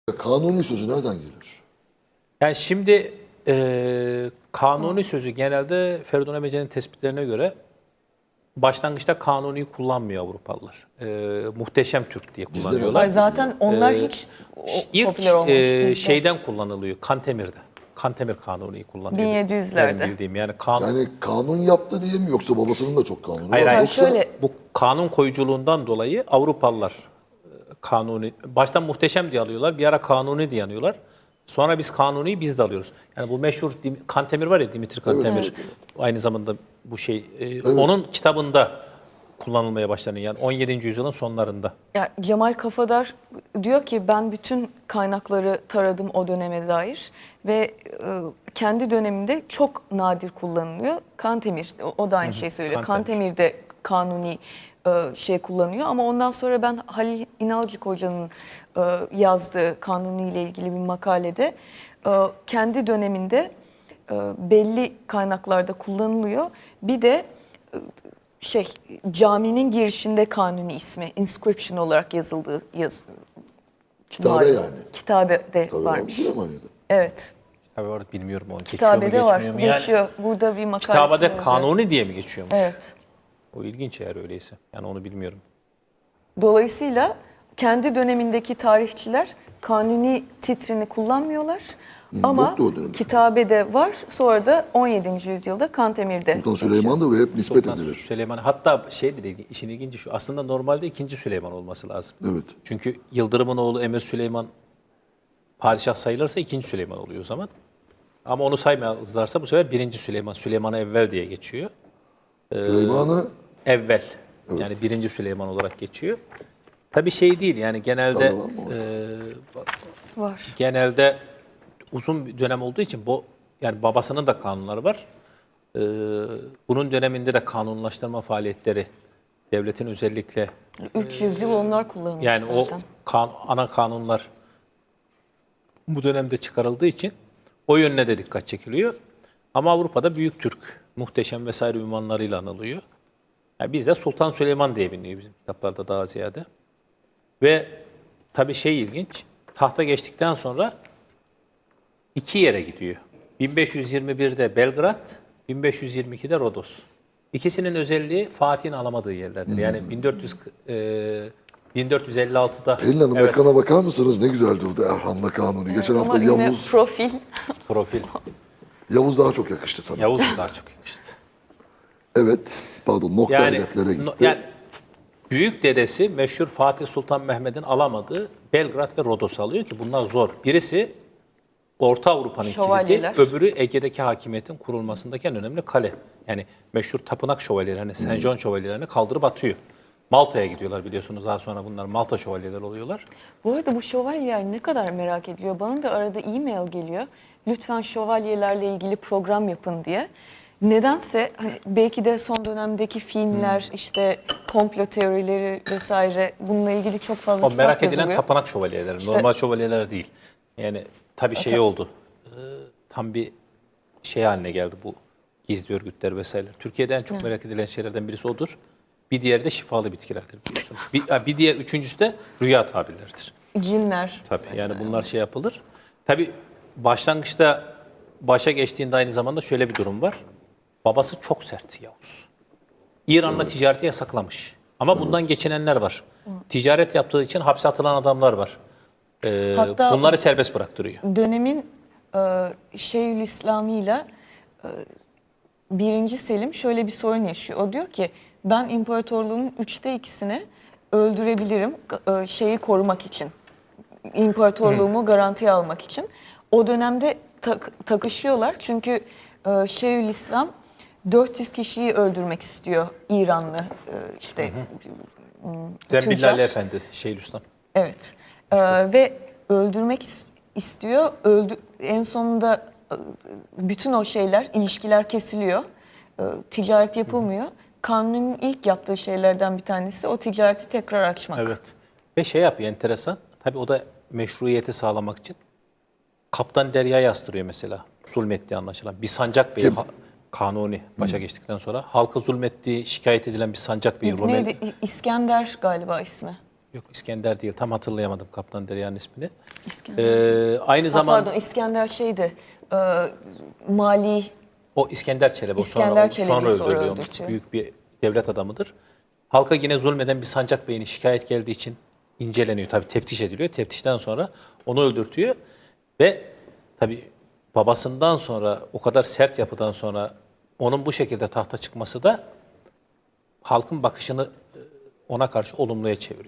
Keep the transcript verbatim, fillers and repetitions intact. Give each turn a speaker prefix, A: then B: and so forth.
A: Kanuni sözü nereden gelir?
B: Yani şimdi e, kanuni sözü genelde Feridun Emece'nin tespitlerine göre başlangıçta kanuni kullanmıyor Avrupalılar. E, muhteşem Türk diye
A: Bizler
B: kullanıyorlar.
C: Ay zaten onlar
B: Ee,
C: hiç o-
B: İlk
C: popüler olmamış.
B: e,
C: bizde.
B: şeyden kullanılıyor, Kantemir'de. Kantemir kanuniyi kullanıyor.
C: bin yedi yüzlerde.
B: Benim bildiğim yani kanun.
A: Yani kanun yaptı diye mi yoksa babasının da çok kanunu
B: Hayır,
A: var?
B: hayır.
A: Yoksa
C: Şöyle
B: Bu kanun koyuculuğundan dolayı Avrupalılar e, kanuni, baştan muhteşem diye alıyorlar, bir ara kanuni diye anıyorlar. Sonra biz kanuniyi biz de alıyoruz. Yani bu meşhur Dim- Kantemir var ya, Dimitri Kantemir. Aynı zamanda bu şey, e, onun kitabında kullanılmaya başlanıyor. Yani on yedinci yüzyılın sonlarında.
C: ya Cemal Kafadar diyor ki ben bütün kaynakları taradım o döneme dair ve e, kendi döneminde çok nadir kullanılıyor. Kantemir o, o da aynı şeyi söylüyor.
B: Kantemir.
C: Kantemir'de kanuni e, şey kullanıyor ama ondan sonra ben Halil İnalcık Hoca'nın e, yazdığı kanuni ile ilgili bir makalede e, kendi döneminde e, belli kaynaklarda kullanılıyor. Bir de e, şey caminin girişinde kanuni ismi inscription olarak yazıldığı yaz.
A: Kitabe
C: var.
A: yani.
C: Kitabede
A: tabii
C: varmış.
A: Süleymaniye'de.
C: Evet.
B: Tabii orada bilmiyorum onu. Geçiyor mu,
C: Kitabede var.
B: geçmiyor mu? Yani
C: Geçiyor. Burada bir makalesi
B: kitabede
C: var.
B: kanuni diye mi geçiyormuş?
C: Evet.
B: O ilginç eğer öyleyse. Yani onu bilmiyorum.
C: Dolayısıyla kendi dönemindeki tarihçiler kanuni titrini kullanmıyorlar. Ama
A: yoktu o dönemde.
C: kitabede var. Sonra da on yedinci yüzyılda Kantemir'de.
A: Sultan Süleyman da ve hep nispet
B: Sultan
A: edilir.
B: Süleyman, hatta şeydir, ilgi- işin ilginci şu, aslında normalde ikinci Süleyman olması lazım.
A: Evet.
B: Çünkü Yıldırım'ın oğlu Emir Süleyman padişah sayılırsa ikinci Süleyman oluyor o zaman. Ama onu saymazlarsa bu sefer birinci Süleyman, Süleyman Evvel diye geçiyor.
A: Süleyman'ı
B: Evvel, yani birinci Süleyman olarak geçiyor. Tabii şey değil yani genelde
A: Tabii var mı o?
B: e,
C: Var.
B: genelde uzun bir dönem olduğu için bu, yani babasının da kanunları var. Ee, bunun döneminde de kanunlaştırma faaliyetleri devletin özellikle
C: üç yüz yıl onlar kullanılmış
B: yani
C: zaten.
B: o kan, ana kanunlar bu dönemde çıkarıldığı için o yönüne de dikkat çekiliyor. Ama Avrupa'da Büyük Türk, Muhteşem vesaire ünvanlarıyla anılıyor. Yani bizde Sultan Süleyman diye biliniyor bizim kitaplarda daha ziyade. Ve tabii şey ilginç, tahta geçtikten sonra iki yere gidiyor. bin beş yüz yirmi birde Belgrad, bin beş yüz yirmi ikide Rodos. İkisinin özelliği Fatih'in alamadığı yerlerdir. Yani bin dört yüz, e, bin dört yüz elli altıda
A: Pelin Hanım
B: evet,
A: ekrana bakar mısınız? Ne güzel durdu Erhan'la Kanuni. Geçen
C: Ama
A: hafta
C: yine
A: Yavuz,
C: profil.
B: profil.
A: Yavuz daha çok yakıştı sana.
B: Yavuz daha çok yakıştı.
A: Evet, pardon nokta
B: Yani,
A: hedeflere gitti.
B: no- yani büyük dedesi meşhur Fatih Sultan Mehmet'in alamadığı Belgrad ve Rodos'u alıyor ki bunlar zor. Birisi Orta Avrupa'nın kilidi,
C: Şövalyeler.
B: öbürü Ege'deki hakimiyetin kurulmasındaki en önemli kale. Yani meşhur tapınak şövalyeleri, hani Saint John şövalyelerini kaldırıp atıyor. Malta'ya gidiyorlar biliyorsunuz, daha sonra bunlar Malta şövalyeleri oluyorlar.
C: Bu arada bu şövalyeler ne kadar merak ediliyor. Bana da arada e-mail geliyor. Lütfen şövalyelerle ilgili program yapın diye. Nedense hani belki de son dönemdeki filmler, işte komplo teorileri vesaire bununla ilgili çok fazla
B: O
C: kitap
B: merak edilen
C: yazılıyor.
B: tapınak şövalyeleri,
C: İşte-
B: normal şövalyeler değil. Yani tabii şey oldu, e, tam bir şey haline geldi bu gizli örgütler vesaire. Türkiye'de en çok merak edilen şeylerden birisi odur. Bir diğeri de şifalı bitkilerdir biliyorsunuz. bir, ha, bir diğer üçüncüsü de rüya tabirleridir.
C: Cinler.
B: Tabii
C: mesela.
B: yani bunlar şey yapılır. Tabii başlangıçta başa geçtiğinde aynı zamanda şöyle bir durum var. Babası çok sert Yavuz. İran'la ticareti yasaklamış. Ama bundan geçinenler var. Ticaret yaptığı için hapse atılan adamlar var. Ee,
C: Hatta-
B: bunları serbest bıraktırıyor.
C: Dönemin e, Şeyhülislami ile e, birinci Selim şöyle bir sorun yaşıyor. O diyor ki ben imparatorluğumun üçte ikisini öldürebilirim e, şeyi korumak için. İmparatorluğumu garantiye almak için. O dönemde tak- takışıyorlar çünkü e, Şeyhülislam dört yüz kişiyi öldürmek istiyor İranlı e, işte
B: Zembillali
C: tüccar.
B: Efendi, Şeyhülislam.
C: Evet. Ee, ve öldürmek is- istiyor. Öldü en sonunda e, bütün o şeyler, ilişkiler kesiliyor. Ee, ticaret yapılmıyor. Kanun'un ilk yaptığı şeylerden bir tanesi o ticareti tekrar açmak.
B: Evet. Ve şey yapıyor enteresan. Tabii o da meşruiyeti sağlamak için. Kaptan Derya'yı astırıyor mesela. Zulmettiği anlaşılan. Bir sancak beyi ha- Kanuni başa geçtikten sonra halka zulmettiği şikayet edilen bir sancak beyi Rumeli.
C: Neydi? İ- İskender galiba ismi.
B: Yok İskender değil. Tam hatırlayamadım Kaptan Derya'nın ismini.
C: İskender.
B: Ee, aynı
C: Ha,
B: zaman
C: pardon İskender şeydi. E, mali
B: o İskender Çelebi. o
C: İskender
B: sonra, o
C: Çelebi'yi
B: sonra
C: sonra
B: öldürülüyor.
C: öldürtüyor.
B: Büyük bir devlet adamıdır. Halka yine zulmeden bir Sancak Bey'in şikayet geldiği için inceleniyor. Tabii teftiş ediliyor. Teftişten sonra onu öldürtüyor. Ve tabii babasından sonra o kadar sert yapıdan sonra onun bu şekilde tahta çıkması da halkın bakışını ona karşı olumluya çeviriyor.